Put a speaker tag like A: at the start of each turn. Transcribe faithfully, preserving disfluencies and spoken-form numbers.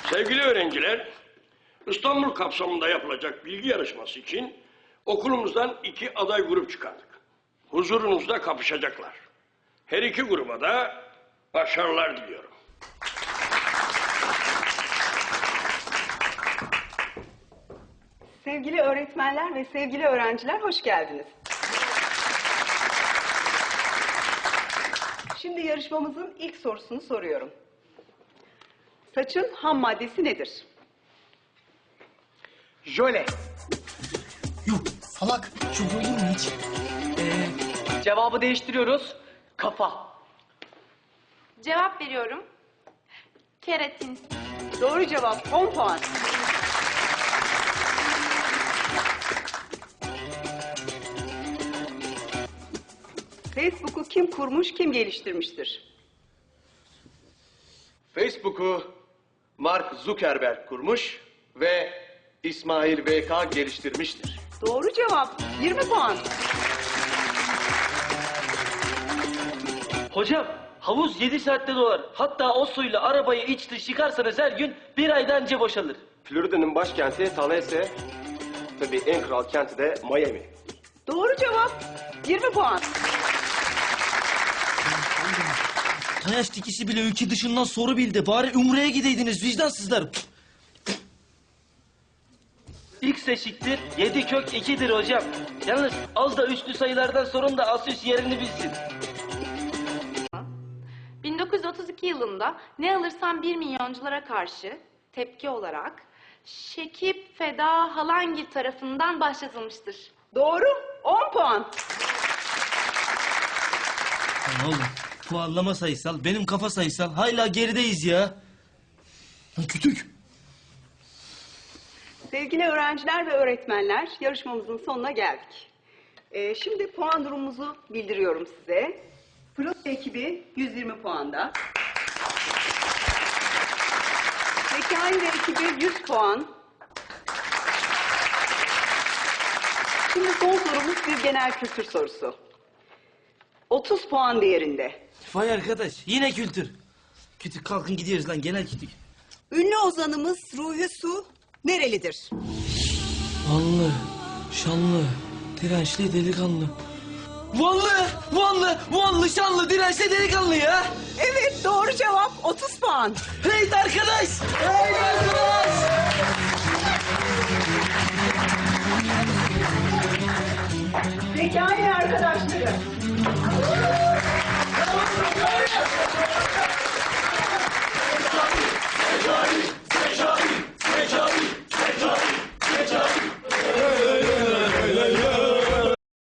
A: Sevgili öğrenciler, İstanbul kapsamında yapılacak bilgi yarışması için okulumuzdan iki aday grup çıkardık. Huzurunuzda kapışacaklar. Her iki gruba da başarılar diliyorum.
B: Sevgili öğretmenler ve sevgili öğrenciler, hoş geldiniz. Şimdi yarışmamızın ilk sorusunu soruyorum. Saçın ham maddesi nedir?
C: Jöle.
D: Yuh salak. Çok olur mu hiç?
C: Ee, cevabı değiştiriyoruz. Kafa.
E: Cevap veriyorum. Keratin.
B: Doğru cevap, on puan. Facebook'u kim kurmuş, kim geliştirmiştir?
F: Facebook'u Mark Zuckerberg kurmuş ve İsmail V K geliştirmiştir.
B: Doğru cevap, yirmi puan.
G: Hocam havuz yedi saatte dolar. Hatta o suyla arabayı iç dış yıkarsanız her gün bir ayda önce boşalır.
F: Florida'nın başkenti Tallahassee, tabii en kral kenti de Miami.
B: Doğru cevap, yirmi puan.
D: Tayaş dikisi bile ülke dışından soru bildi. Bari Umre'ye gideydiniz vicdansızlar.
G: X eşittir yedi kök ikidir hocam. Yalnız az da üstlü sayılardan sorun da Asus yerini bilsin.
E: bin dokuz yüz otuz iki yılında Ne Alırsam Bir Milyonculara karşı tepki olarak Şekip Feda Halangir tarafından başlatılmıştır.
B: Doğru, on puan.
D: Lan oğlum puanlama sayısal, benim kafa sayısal. Hala gerideyiz ya. Lan kütük.
B: Sevgili öğrenciler ve öğretmenler, yarışmamızın sonuna geldik. Ee, şimdi puan durumumuzu bildiriyorum size. Fırlat ekibi yüz yirmi puanda. Zekai ve ekibi yüz puan. Şimdi son sorumuz bir genel kültür sorusu. otuz puan değerinde.
D: Vay arkadaş yine kültür. Kütük kalkın gidiyoruz lan genel kütük.
B: Ünlü ozanımız Ruhi Su nerelidir?
D: Vanlı, şanlı, dirençli delikanlı. Vanlı, Vanlı, Vanlı, şanlı, dirençli delikanlı ya.
B: Evet, doğru cevap otuz puan.
D: Hey arkadaş! Hey arkadaş!
B: Zekai arkadaşlar.